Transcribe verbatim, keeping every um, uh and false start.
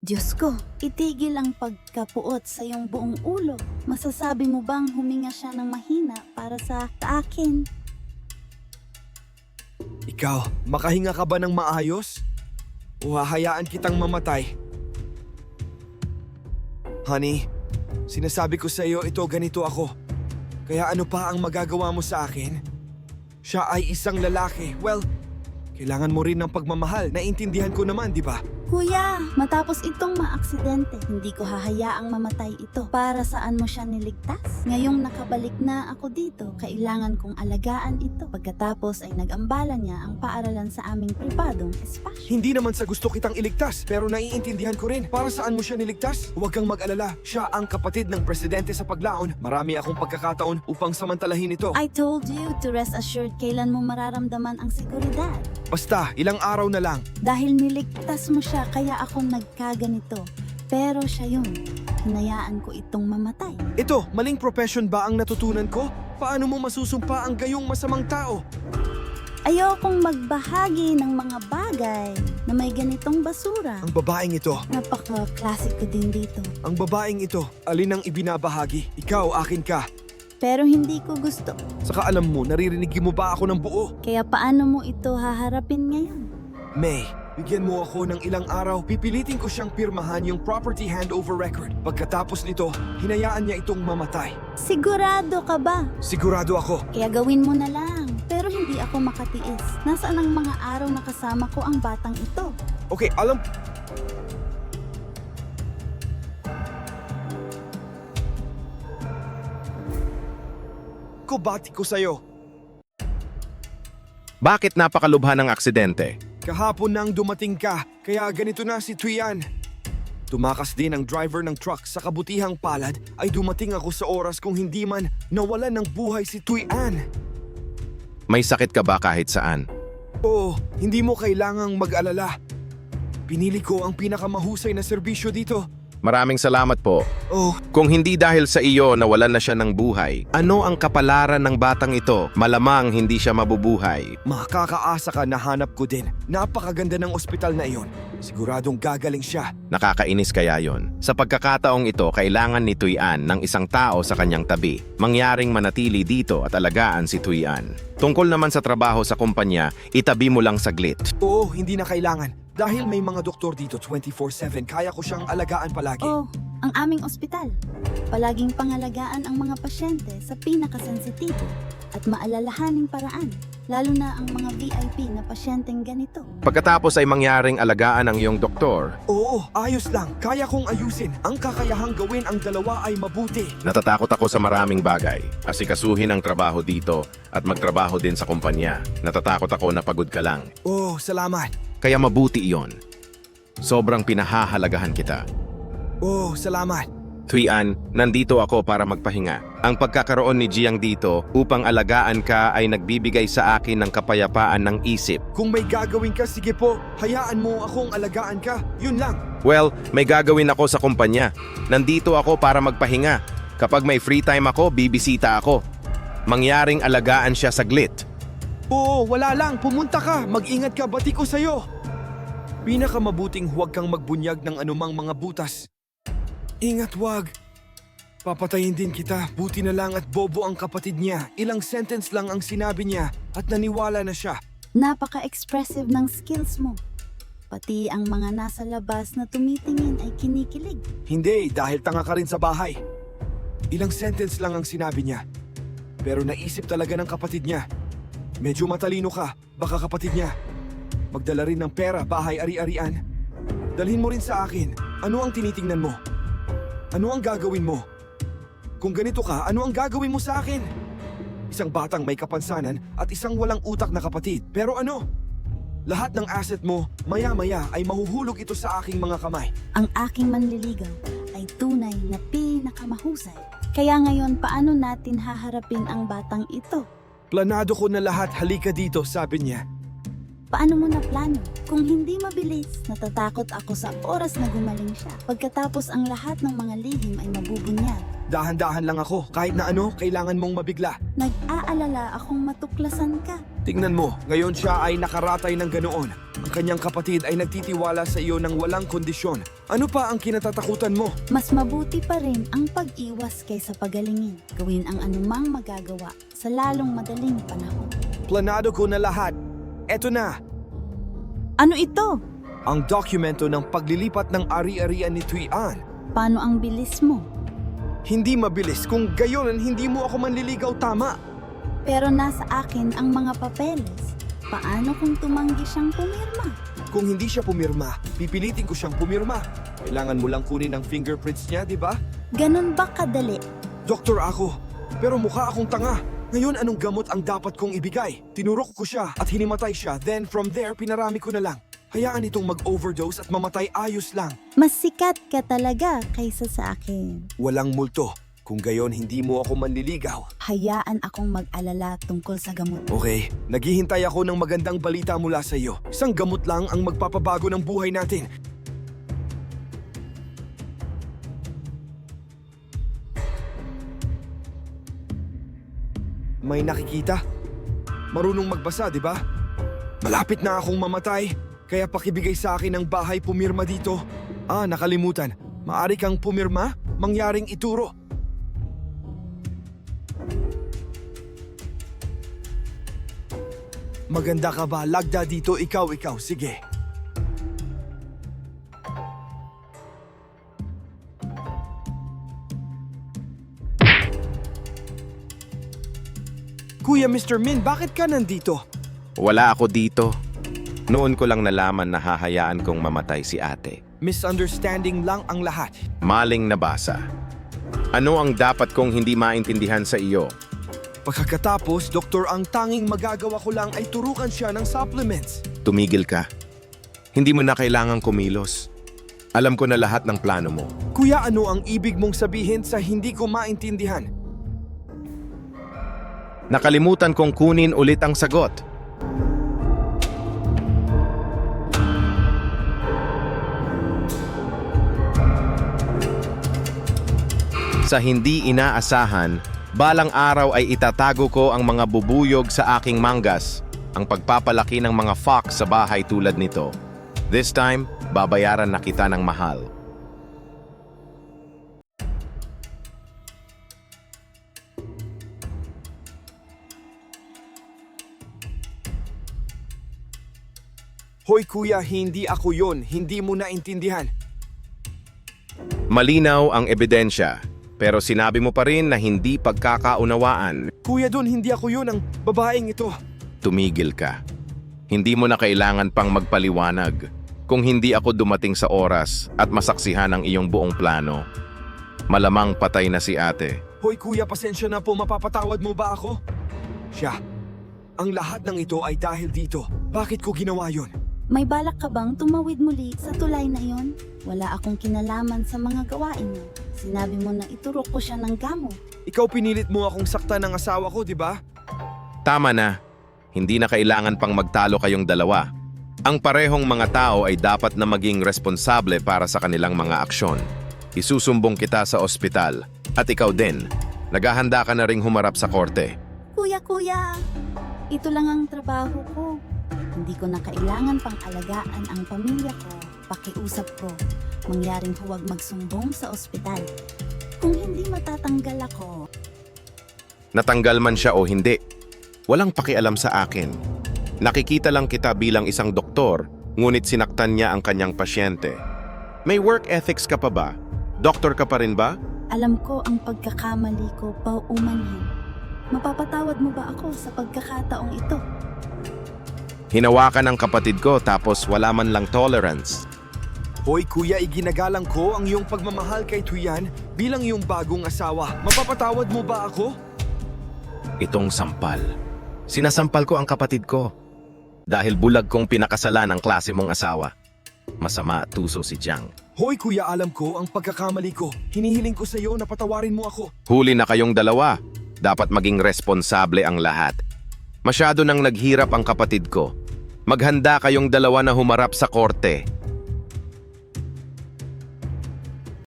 Diyos ko, itigil ang pagkapuot sa iyong buong ulo. Masasabi mo bang huminga siya ng mahina para sa akin? Ikaw, makahinga ka ba ng maayos? O hahayaan kitang mamatay? Honey, sinasabi ko sa iyo ito ganito ako. Kaya ano pa ang magagawa mo sa akin? Siya ay isang lalaki. Well, kailangan mo rin ng pagmamahal. Naintindihan ko naman, di ba? Kuya, matapos itong maaksidente, hindi ko hahayaang mamatay ito. Para saan mo siya niligtas? Ngayong nakabalik na ako dito, kailangan kong alagaan ito. Pagkatapos ay nag-ambala niya ang paaralan sa aming pribadong espasyo. Hindi naman sa gusto kitang iligtas, pero naiintindihan ko rin. Para saan mo siya niligtas? Huwag kang mag-alala. Siya ang kapatid ng presidente sa paglaon. Marami akong pagkakataon upang samantalahin ito. I told you to rest assured kailan mo mararamdaman ang seguridad. Basta, ilang araw na lang. Dahil niligtas mo siya, kaya ako nagkaganito. Pero siya yun. Hinayaan ko itong mamatay. Ito, maling profession ba ang natutunan ko? Paano mo masusumpa ang gayong masamang tao? Ayokong magbahagi ng mga bagay na may ganitong basura. Ang babaeng ito, Napaka-classic ko din dito. ang babaeng ito, alin ang ibinabahagi? Ikaw, akin ka. Pero hindi ko gusto. Saka alam mo, naririnig mo ba ako ng buo? Kaya paano mo ito haharapin ngayon? May, bigyan mo ako ng ilang araw, pipilitin ko siyang pirmahan yung property handover record. Pagkatapos nito, hinayaan niya itong mamatay. Sigurado ka ba? Sigurado ako. Kaya gawin mo na lang. Pero hindi ako makatiis. Nasaan ang mga araw na kasama ko ang batang ito? Okay, alam... ko bati ko sa'yo. Bakit napakalubha ng aksidente? Kahapon nang dumating ka, kaya ganito na si Tuyan. Tumakas din ang driver ng truck sa kabutihang palad ay dumating ako sa oras kung hindi man nawalan ng buhay si Tuyan. May sakit ka ba kahit saan? Oo, hindi mo kailangang mag-alala. Pinili ko ang pinakamahusay na serbisyo dito. Maraming salamat po. Oh, Kung hindi dahil sa iyo nawalan na siya ng buhay, ano ang kapalaran ng batang ito? Malamang hindi siya mabubuhay. makakaasa ka na hanap ko din. Napakaganda ng ospital na iyon. Siguradong gagaling siya. Nakakainis kaya yon. Sa pagkakataong ito, kailangan ni Tuyan ng isang tao sa kanyang tabi. Mangyaring manatili dito at alagaan si Tuyan. Tungkol naman sa trabaho sa kumpanya, itabi mo lang saglit. Oo, hindi na kailangan. Dahil may mga doktor dito twenty-four seven, kaya ko siyang alagaan palagi. Oh, ang aming ospital. Palaging pangalagaan ang mga pasyente sa pinakasensitibo at maalalahaning paraan, lalo na ang mga V I P na pasyenteng ganito. Pagkatapos ay mangyaring alagaan ang iyong doktor, Oo, ayos lang. Kaya kong ayusin. Ang kakayahang gawin ang dalawa ay mabuti. natatakot ako sa maraming bagay. Asikasuhin ang trabaho dito at magtrabaho din sa kumpanya. Natatakot ako na pagod ka lang. Oh, salamat. Kaya mabuti iyon. Sobrang pinahahalagahan kita. Oh, salamat. Tuyan, nandito ako para magpahinga. Ang pagkakaroon ni Jiang dito upang alagaan ka ay nagbibigay sa akin ng kapayapaan ng isip. Kung may gagawin ka, sige po. Hayaan mo akong alagaan ka. Yun lang. Well, may gagawin ako sa kumpanya. Nandito ako para magpahinga. Kapag may free time ako, bibisita ako. Mangyaring alagaan siya saglit. Oo, wala lang. Pumunta ka. Mag-ingat ka. Bati ko sa'yo. Pinakamabuting huwag kang magbunyag ng anumang mga butas. Ingat wag. Papatayin din kita. Buti na lang at bobo ang kapatid niya. Ilang sentence lang ang sinabi niya at naniwala na siya. Napaka-expressive ng skills mo. Pati ang mga nasa labas na tumitingin ay kinikilig. Hindi, dahil tanga ka rin sa bahay. Ilang sentence lang ang sinabi niya. Pero naisip talaga ng kapatid niya. Medyo matalino ka, baka kapatid niya. Magdala rin ng pera, bahay, ari-arian. Dalhin mo rin sa akin. Ano ang tinitingnan mo? Ano ang gagawin mo? Kung ganito ka, ano ang gagawin mo sa akin? Isang batang may kapansanan at isang walang utak na kapatid. Pero ano? Lahat ng asset mo, maya-maya ay mahuhulog ito sa aking mga kamay. Ang aking manliligaw ay tunay na pinakamahusay. Kaya ngayon, paano natin haharapin ang batang ito? Planado ko na lahat, halika dito, sabi niya. Paano mo na plano? Kung hindi mabilis, natatakot ako sa oras na gumaling siya. Pagkatapos ang lahat ng mga lihim ay mabubunyag. Dahan-dahan lang ako, kahit na ano, kailangan mong mabigla. Nag-aalala akong matuklasan ka. Tingnan mo, ngayon siya ay nakaratay ng ganoon. Ang kanyang kapatid ay nagtitiwala sa iyo ng walang kondisyon. Ano pa ang kinatatakutan mo? Mas mabuti pa rin ang pag-iwas kaysa pagalingin. Gawin ang anumang magagawa sa lalong madaling panahon. Planado ko na lahat. Eto na, Ano ito? ang dokumento ng paglilipat ng ari-arian ni Tuyan. Paano ang bilis mo? Hindi mabilis kung gayon hindi mo ako manliligaw tama. Pero nasa akin ang mga papeles. Paano kung tumanggi siyang pumirma? Kung hindi siya pumirma, pipilitin ko siyang pumirma. Kailangan mo lang kunin ang fingerprints niya, di ba? Ganon ba kadali? Doktor ako, pero mukha akong tanga. Ngayon anong gamot ang dapat kong ibigay? Tinurok ko siya at hinimatay siya, then from there pinarami ko na lang. Hayaan itong mag-overdose at mamatay ayos lang. Mas sikat ka talaga kaysa sa akin. Walang multo. Kung gayon hindi mo ako manliligaw. Hayaan akong mag-alala tungkol sa gamot. Okay, naghihintay ako ng magandang balita mula sa iyo. Isang gamot lang ang magpapabago ng buhay natin. May nakikita? Marunong magbasa, di ba? Malapit na akong mamatay, kaya pakibigay sa akin ang bahay pumirma dito. Ah, nakalimutan. Maari kang pumirma, mangyaring ituro. Maganda ka ba? Lagda dito, ikaw, ikaw. Sige. Kuya mister Min, bakit ka nandito? Wala ako dito. Noon ko lang nalaman na hahayaan kong mamatay si ate. Misunderstanding lang ang lahat. Maling nabasa. Ano ang dapat kong hindi maintindihan sa iyo? Pagkatapos, doktor, ang tanging magagawa ko lang ay turukan siya ng supplements. Tumigil ka. Hindi mo na kailangang kumilos. Alam ko na lahat ng plano mo. Kuya, ano ang ibig mong sabihin sa hindi ko maintindihan? Nakalimutan kong kunin ulit ang sagot. Sa hindi inaasahan, balang araw ay itatago ko ang mga bubuyog sa aking manggas, ang pagpapalaki ng mga fox sa bahay tulad nito. This time, babayaran na kita ng mahal. Hoy kuya, hindi ako yon. Hindi mo naintindihan. Malinaw ang ebidensya, pero sinabi mo pa rin na hindi pagkakaunawaan. Kuya, doon hindi ako yon, ang babaeng ito. Tumigil ka. Hindi mo na kailangan pang magpaliwanag kung hindi ako dumating sa oras at masaksihan ang iyong buong plano. Malamang patay na si ate. Hoy kuya, pasensya na po, mapapatawad mo ba ako? Siya, ang lahat ng ito ay dahil dito. Bakit ko ginawa yon? May balak ka bang tumawid muli sa tulay na yon? Wala akong kinalaman sa mga gawain mo. Sinabi mo na iturok ko siya ng gamot. Ikaw pinilit mo akong saktan ng asawa ko, di ba? Tama na. Hindi na kailangan pang magtalo kayong dalawa. Ang parehong mga tao ay dapat na maging responsable para sa kanilang mga aksyon. Isusumbong kita sa ospital. At ikaw din. Naghahanda ka na ring humarap sa korte. Kuya, kuya! Ito lang ang trabaho ko. Hindi ko na kailangan pang alagaan ang pamilya ko. Pakiusap ko, mangyaring huwag magsumbong sa ospital. Kung hindi matatanggal ako, Natanggal man siya o hindi, walang pakialam sa akin. Nakikita lang kita bilang isang doktor, ngunit sinaktan niya ang kanyang pasyente. May work ethics ka pa ba? Doktor ka pa rin ba? alam ko ang pagkakamali ko paumanhin. Mapapatawad mo ba ako sa pagkakataong ito? Hinawakan ng kapatid ko tapos wala man lang tolerance. Hoy kuya, iginagalang ko ang iyong pagmamahal kay Tuyan bilang iyong bagong asawa. Mapapatawad mo ba ako? Itong sampal. Sinasampal ko ang kapatid ko. Dahil bulag kong pinakasalan ang klase mong asawa. Masama at tuso si Jiang. Hoy kuya, alam ko ang pagkakamali ko. Hinihiling ko sa iyo na patawarin mo ako. Huli na kayong dalawa. Dapat maging responsable ang lahat. Masyado nang naghirap ang kapatid ko. Maghanda kayong dalawa na humarap sa korte.